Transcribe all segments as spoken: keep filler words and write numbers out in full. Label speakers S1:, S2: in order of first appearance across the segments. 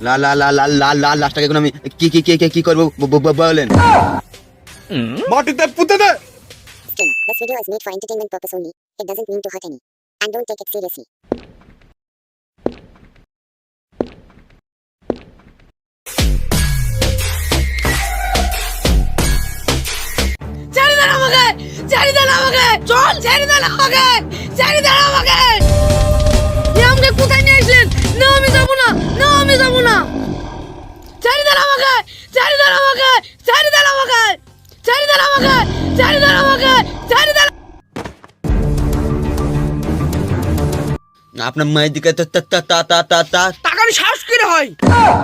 S1: লা লা লা লা লা লা লাশটাকে এখন আমি কি কি কি কি করব বলেন?
S2: মাটিতে পুঁতে দে।
S3: This video is made for entertainment purpose only. It doesn't mean to hurt any. And don't take it seriously.
S4: ছেড়ে দেন আমাকে, ছেড়ে দেন আমাকে, চল ছেড়ে দেন আমাকে, ছেড়ে দেন আমাকে। এ আমাকে কোথায় নিয়ে আসলেন? না আমি যাবো না, না আমি যাবো না। ছেড়ে দেন আমাকে, ছেড়ে দেন আমাকে, ছেড়ে দেন আমাকে, ছেড়ে দেন আমাকে, ছেড়ে দেন আমাকে, ছেড়ে দেন।
S1: আপনার মায়ের দিকে তা তা তা তা তা তা
S4: টাকার সাহস কি রে হয়?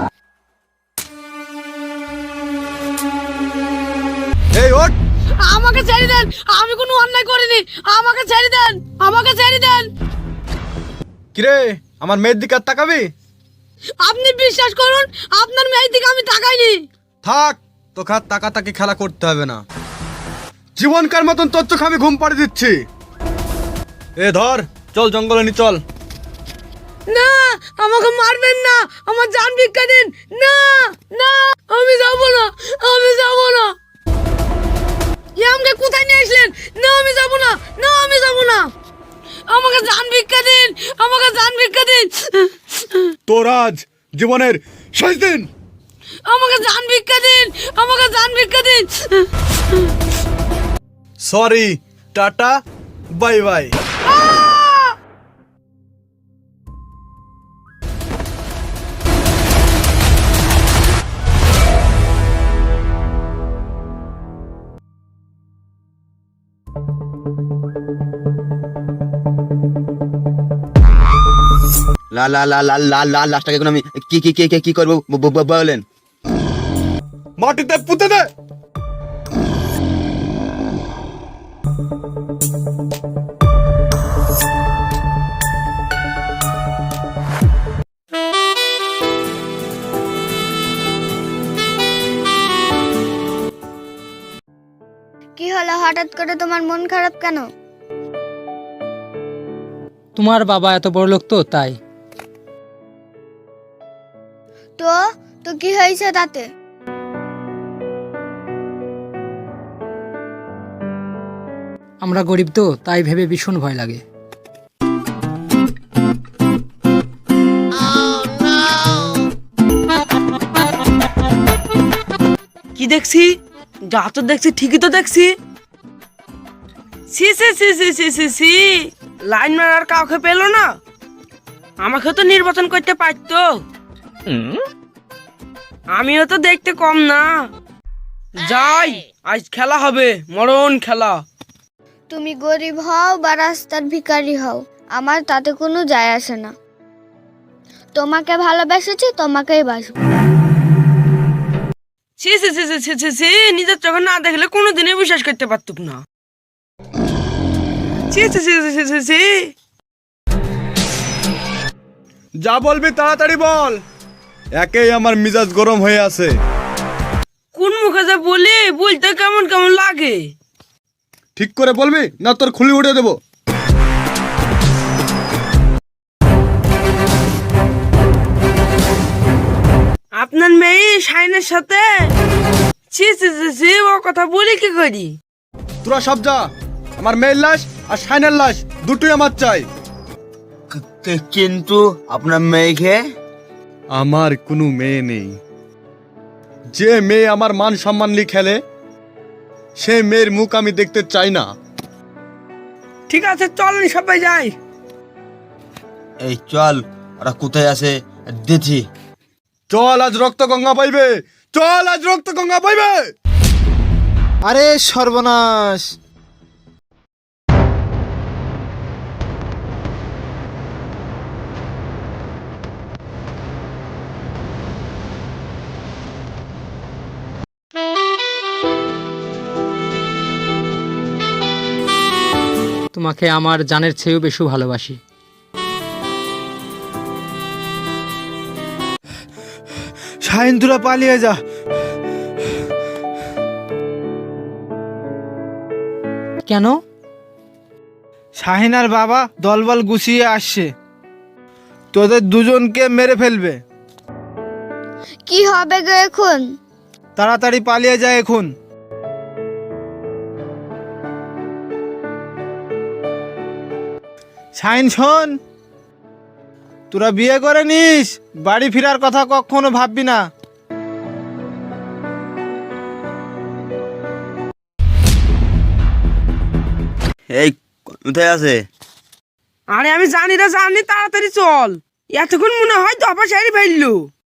S2: এই ওঠ।
S4: আমাকে ছেড়ে দেন, আমি কোনো অন্যায় করিনি, আমাকে ছেড়ে দেন, আমাকে ছেড়ে দেন।
S2: কিরে আমার মেয়ের দিকে আর তাকাবি?
S4: আপনি বিশ্বাস করুন, আপনার মেয়ের দিকে আমি তাকাইনি।
S2: থাক, তোকে আর তাকাতাকি খেলা করতে হবে না। জীবনকার মতন তোর চোখ আমি ঘুম পাড়িয়ে দিচ্ছি। এ ধর, চল জঙ্গলে নি চল।
S4: না, আমাকে মারবেন না, আমার জান ভিক্ষা দিন। না না, আমি যাব না, আমি যাব না। এ আমাকে কোথায় নিয়ে আসলেন? না আমি যাব না, না আমি যাব না। আমাকে জান ভিক্ষা দিন, আমাকে জান ভিক্ষা দিন।
S2: তোর আজ জীবনের শেষ দিন।
S4: আমাকে জান ভিক্ষা দিন, আমাকে জান ভিক্ষা দিন।
S2: Sorry, tata, bye bye.
S1: লা লা লা লা লা লা লাশটাকে এখন আমি কি কি কি কি করব বলেন?
S2: মাটিতে পুঁতে দে।
S5: কি হলো, হঠাৎ করে তোমার মন খারাপ কেন?
S6: তোমার বাবা এত বড় লোক তো তাই।
S5: তো তো কি হয়েছে তাতে?
S6: আমরা গরিব তো তাই ভেবে ভীষণ ভয় লাগে।
S4: কি দেখছি? যা তো দেখছি ঠিকই তো দেখছি। সি সি সি সি সি সি সি লাইন মারার কাউকে পেলো না, আমাকে তো নির্বাচন করতে পারতো। আমিও তো দেখতে কম না। যাই, আজ খেলা হবে, মরণ খেলা।
S5: তুমি গরিব হও বা রাস্তার ভিখারি হও, আমার তাতে কোনো যায় আসে না। তোমাকে ভালোবেসেছি, তোমাকেই বাসবো।
S4: সি সি সি সি সি সি নিজের চোখে না দেখলে কোনোদিনই বিশ্বাস করতে পারতুক না। সি সি সি সি সি সি
S2: যা বলবি তাড়াতাড়ি বল, একেই আমার মিজাজ গরম হয়ে আছে।
S4: কোন মুখে যে বলি, বলতে কেমন কেমন লাগে।
S2: ঠিক করে বলবি না তোর খুলি উড়ে দেবো।
S4: আপনার মেয়ে শাইনের সাথে ছি ছি ছি ছি ও কথা বলি কি করি?
S2: তোরা সব যা, আমার মেয়ের লাশ আর শাইনের লাশ দুটোই আমার চাই।
S1: কিন্তু আপনার মেয়েকে?
S2: আমার কোনো মেয়ে নেই। যে মেয়ে আমার মান সম্মান নিয়ে খেলে, সে মেয়ের মুখ আমি দেখতে চাই না।
S4: ঠিক আছে, চলেন সবাই যাই।
S1: এই চল, ওরা কোথায় আছে দেখি।
S2: চল, আজ রক্ত গঙ্গা পাইবে, চল আজ রক্ত গঙ্গা পাইবে।
S7: আরে সর্বনাশ!
S6: তোমাকে আমার জানের চেয়েও বেশি ভালোবাসি।
S7: শাহিন, তোরা পালিয়ে যা।
S6: কেন?
S7: শাহিনার বাবা দলবল গুছিয়ে আসছে, তোদের দুজনকে মেরে ফেলবে।
S5: কি হবে গো এখন?
S7: তাড়াতাড়ি পালিয়ে যায় এখন। শাইন শোন, তোরা বিয়ে করে নিস, বাড়ি ফেরার কথা কখনো ভাববি না।
S1: এই কোথায় আছে?
S4: আরে আমি জানি রে জানি, তাড়াতাড়ি চল। এতক্ষণ মনে হয় দফা সারি ফেললো।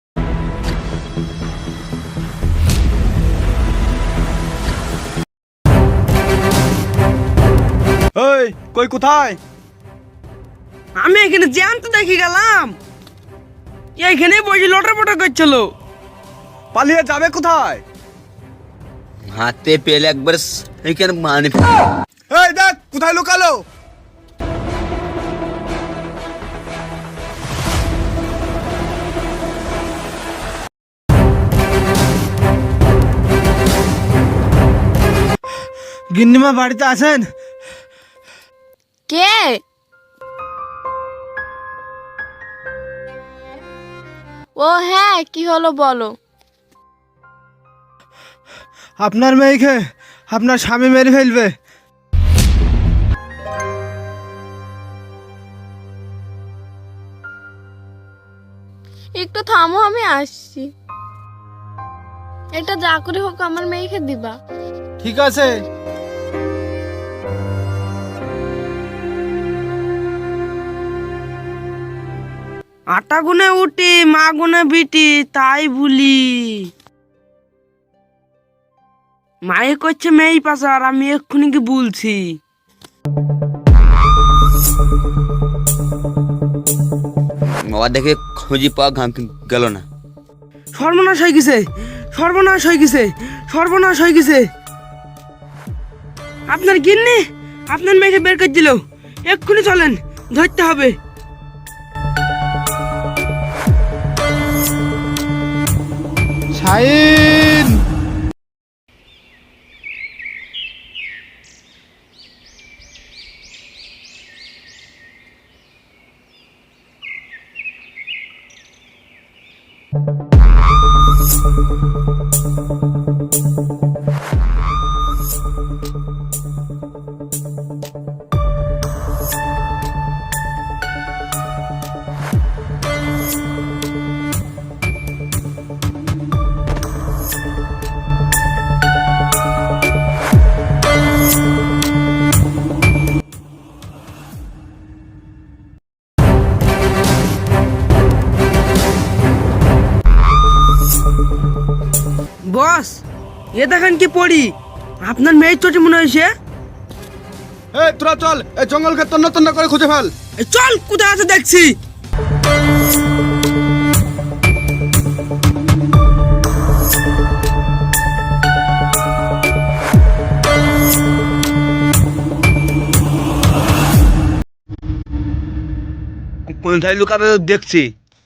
S2: এই কই কোথায়?
S4: আমি এখানে জ্যান্ত দেখে গেলাম, এইখানে বসে লটর পটর করছিল।
S2: পালিয়ে যাবে কোথায়?
S1: হাতে পেলে একবার এইখানে মানে
S2: এই দেখ কোথায় লুকালো।
S7: গিন্নিমা বাড়িতে আছেন?
S4: কে? ও হ্যাঁ, কি হলো বলো।
S7: আপনার মেয়েকে আপনার স্বামী মেরে ফেলবে।
S4: একটু থামো, আমি আসছি। এটা যা করে হোক আমার মেয়েকে দিবা।
S7: ঠিক আছে।
S4: আটা গুনে উঠি, মা গুনে বিটি, তাই ভুলি। মায়ে করছে মেয়ে পাচার, আমি এক্ষুনি কি বলছি।
S1: বাবা দেখে খুঁজি পাওয়া গেল না।
S4: সর্বনাশ হয়ে গেছে, সর্বনাশ হয়ে গেছে, সর্বনাশ হয়ে গেছে। আপনার গিন্নি আপনার মেয়েকে বের করে দিল। এক্ষুনি চলেন, ধরতে হবে।
S7: শাইন,
S4: বস, এ দেখেন কি পড়ি। আপনার মেয়ের চোটে মনে হয়েছে।
S2: এই তোরা চল, এই জঙ্গলকে তন্ন তন্ন করে খুঁজে ফেল।
S4: এই চল, কোথায় আছে দেখছি।
S1: কোথায় লুকাবে দেখছি।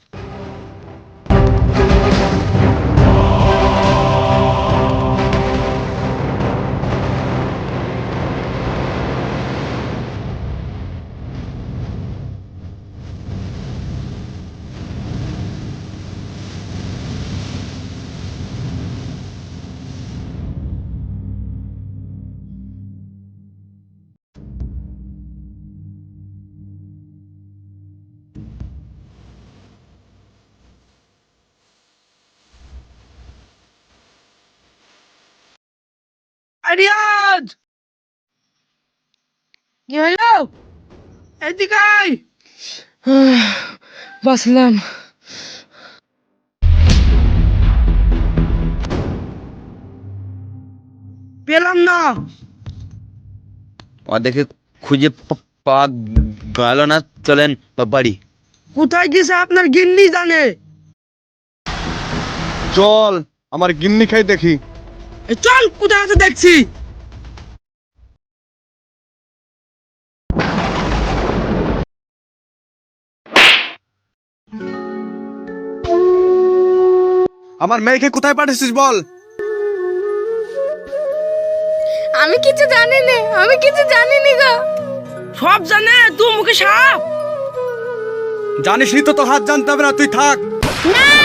S4: রিয়াজ, কি হলো? এদিকে আয়। বাসলাম। পেলাম না।
S1: বাবা দেখে খুঁজে পা- পাওয়া গেল না। চলেন বাড়ি।
S4: কোথায় গেছে আপনার গিন্নি জানে।
S2: চল আমার গিন্নি খাই দেখি।
S4: এই চল, কোথায় আছে দেখছি।
S2: আমার মেয়েকে কোথায় পাঠিয়েছিস বল।
S5: আমি কিছু জানি না, আমি কিছু জানি না গো।
S4: সব জানে, তুই মুখে সাপ।
S2: জানিস নি তো, তোর হাত জানতে হবে না, তুই থাক।
S5: না